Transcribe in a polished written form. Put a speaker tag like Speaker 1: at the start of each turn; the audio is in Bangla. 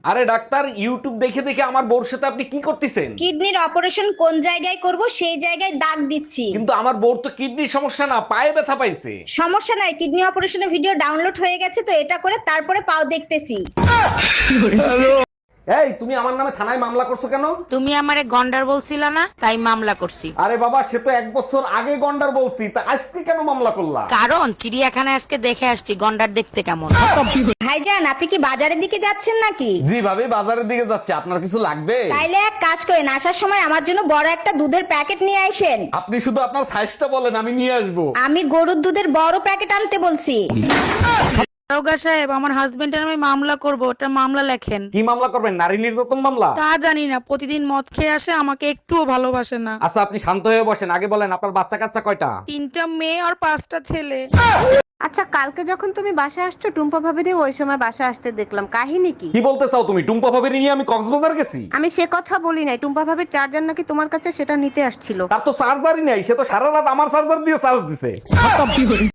Speaker 1: আরে ডাক্তার, ইউটিউব দেখে দেখে আমার বউর সাথে আপনি কি করতেছেন?
Speaker 2: কিডনির অপারেশন কোন জায়গায় করব সেই জায়গায় দাগ দিচ্ছি।
Speaker 1: কিন্তু আমার বউর তো কিডনির সমস্যা না, পায়ে ব্যথা পাইছে।
Speaker 2: সমস্যা নাই, কিডনি অপারেশনের ভিডিও ডাউনলোড হয়ে গেছে তো এটা করে তারপরে পাও দেখতেছি।
Speaker 1: এই, তুমি আমার নামে থানায় মামলা করছো কেন?
Speaker 3: তুমি আমারে গন্ডার বলছিলা না, তাই মামলা করছি।
Speaker 1: আরে বাবা, সে তো 1 বছর আগে গন্ডার বলছি, তা আজকে কেন মামলা করলা?
Speaker 3: কারণ চিড়িয়াখানায় আজকে দেখে আসছি গন্ডার দেখতে কেমন।
Speaker 2: ভাইজান, আপনি কি বাজারের দিকে যাচ্ছেন নাকি?
Speaker 1: জি ভাবি, বাজারের দিকে যাচ্ছে। আপনার কিছু লাগবে?
Speaker 2: তাইলে এক কাজ করেন, আসার সময় আমার জন্য বড় একটা দুধের প্যাকেট নিয়ে আসেন।
Speaker 1: আপনি শুধু আপনার সাইজটা বলেন, আমি নিয়ে আসবো।
Speaker 2: আমি গরুর দুধের বড় প্যাকেট আনতে বলছি।
Speaker 3: দারোগা সাহেব, আমার হাজবেন্ডের আমি মামলা করব, ওটা মামলা লেখেন।
Speaker 1: কি মামলা করবেন? নারী নির্যাতন মামলা?
Speaker 3: তা জানি না, প্রতিদিন মদ খেয়ে আসে, আমাকে একটুও ভালোবাসে না।
Speaker 1: আচ্ছা, আপনি শান্ত হয়ে বসেন, আগে বলেন আপনার বাচ্চা কাচ্চা কয়টা?
Speaker 3: 3টা মেয়ে আর 5টা ছেলে।
Speaker 4: আচ্ছা, কালকে যখন তুমি বাসায় আসছো টুম্পা ভাবিরে ওই সময় বাসায় আসতে দেখলাম, কাহিনী কি?
Speaker 1: কি বলতে চাও তুমি? টুম্পা ভাবির নিয়ে আমি কক্সবাজার গেছি?
Speaker 4: আমি সে কথা বলি নাই, টুম্পা ভাবির চার্জার নাকি তোমার কাছে, সেটা নিতে আসছিল।
Speaker 1: তার তো চার্জারই নাই, সে তো সারা রাত আমার চার্জার দিয়ে চার্জ দিছে।